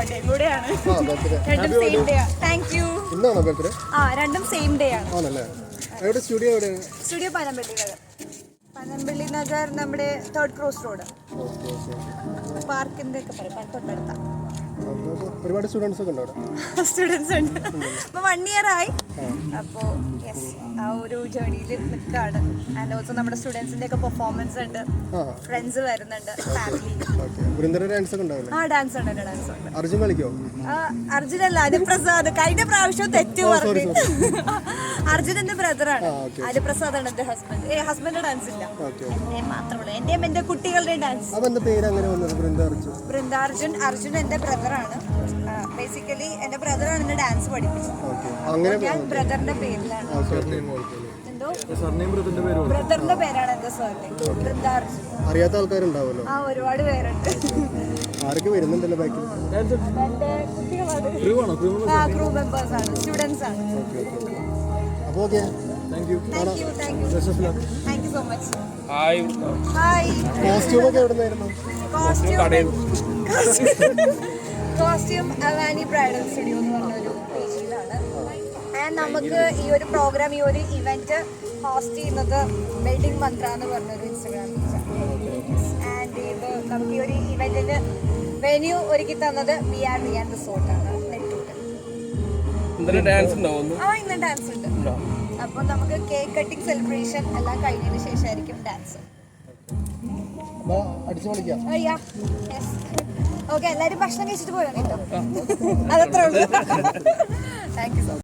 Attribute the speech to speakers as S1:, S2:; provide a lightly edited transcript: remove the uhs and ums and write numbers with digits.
S1: ബർത്ത്ഡേയും കൂടെയാണ്. രണ്ടും same day. Thank you. രണ്ടും സെയിം ഡേ ആണ്. സ്റ്റുഡിയോ പനമ്പള്ളി നഗർ നമ്മുടെ 3rd ക്രോസ് റോഡ് പാർക്കിന്റെ ഒക്കെ പറയും തൊട്ടടുത്ത.
S2: ഒരുപാട് സ്റ്റുഡൻസ് ഒക്കെ ഉണ്ട്.
S1: സ്റ്റുഡൻസ് ഉണ്ട്. അപ്പൊ 1 year ആയി. അപ്പോൾ യെസ്, ആ ഒരു ജേർണിയിൽ നിൽക്കുകയാണ്. ആൻഡ് ഓൾസോ നമ്മുടെ സ്റ്റുഡൻസിന്റെ ഒക്കെ പെർഫോമൻസ് ഉണ്ട്, ഫ്രണ്ട്സ് വരുന്നുണ്ട്, ഫാമിലി. ഡാൻസ് ഉണ്ട്. അർജുനല്ല, അനുപ്രസാദ്. കഴിഞ്ഞ പ്രാവശ്യം തെറ്റ് പറഞ്ഞു. അർജുൻ എന്റെ ബ്രദറാണ്. അനുപ്രസാദ് ആണ് എന്റെ ഹസ്ബൻഡ്. ഹസ്ബൻഡ് ഡാൻസ് ഇല്ല, എന്റെ മാത്രമല്ല. എന്റെയും എന്റെ കുട്ടികളുടെയും ഡാൻസ്. ബൃന്ദാർജുൻ. അർജുൻ എന്റെ ബ്രദറാണ്. ബേസിക്കലി എന്റെ ബ്രദറാണ് എന്നെ ഡാൻസ് പഠിപ്പിച്ചത്. ഞാൻ ബ്രദറിന്റെ പേരിലാണ്. എന്തോ ബ്രദറിന്റെ പേരാണ് എന്റെ സർനെയിം, ബൃന്ദാർജുൻ.
S2: അറിയാത്ത ആൾക്കാരുണ്ടാവുമല്ലോ.
S1: ഒരുപാട് പേരുണ്ട്.
S2: ആരൊക്കെ വരുന്നുണ്ടല്ലോ ബാക്കിൽ?
S1: എന്റെ കുട്ടികളാണ്, ക്രൂ മെമ്പേഴ്സ് ആണ്, സ്റ്റുഡൻസ് ആണ്.
S2: അപ്പോൾ okay, thank you
S1: so much.
S3: Hi.
S2: Costume ഒക്കെ എവിടെ നിന്നായിരുന്നു?
S1: കോസ്റ്റ്യൂം അവാനി ബ്രൈഡൽ സ്റ്റുഡിയോ എന്ന് പറഞ്ഞൊരു പേജിലാണ്. ആൻഡ് നമുക്ക് ഈ ഒരു പ്രോഗ്രാം, ഈ ഒരു ഇവന്റ് ഹോസ്റ്റ് ചെയ്യുന്നത് വെഡിങ് മന്ത്ര എന്ന് പറഞ്ഞൊരു ഇൻസ്റ്റാഗ്രാം പേജാണ്. ആൻഡ് ഇത് നമുക്ക് ഈ ഒരു ഇവന്റിന് വെന്യൂ ഒരുക്കി തന്നത് BR റിസോർട്ടാണ്, നെട്ടൂര്.
S3: ഇന്ന് ഡാൻസ് ഉണ്ട്.
S1: അപ്പോൾ നമുക്ക് കേക്ക് കട്ടിംഗ് സെലിബ്രേഷൻ എല്ലാം കഴിഞ്ഞതിന് ശേഷമായിരിക്കും ഡാൻസ്. ഓക്കെ, എല്ലാവരും ഭക്ഷണം കഴിച്ചിട്ട് പോരാ കേട്ടോ. അതത്രേ ഉള്ളൂ. Thank you so much.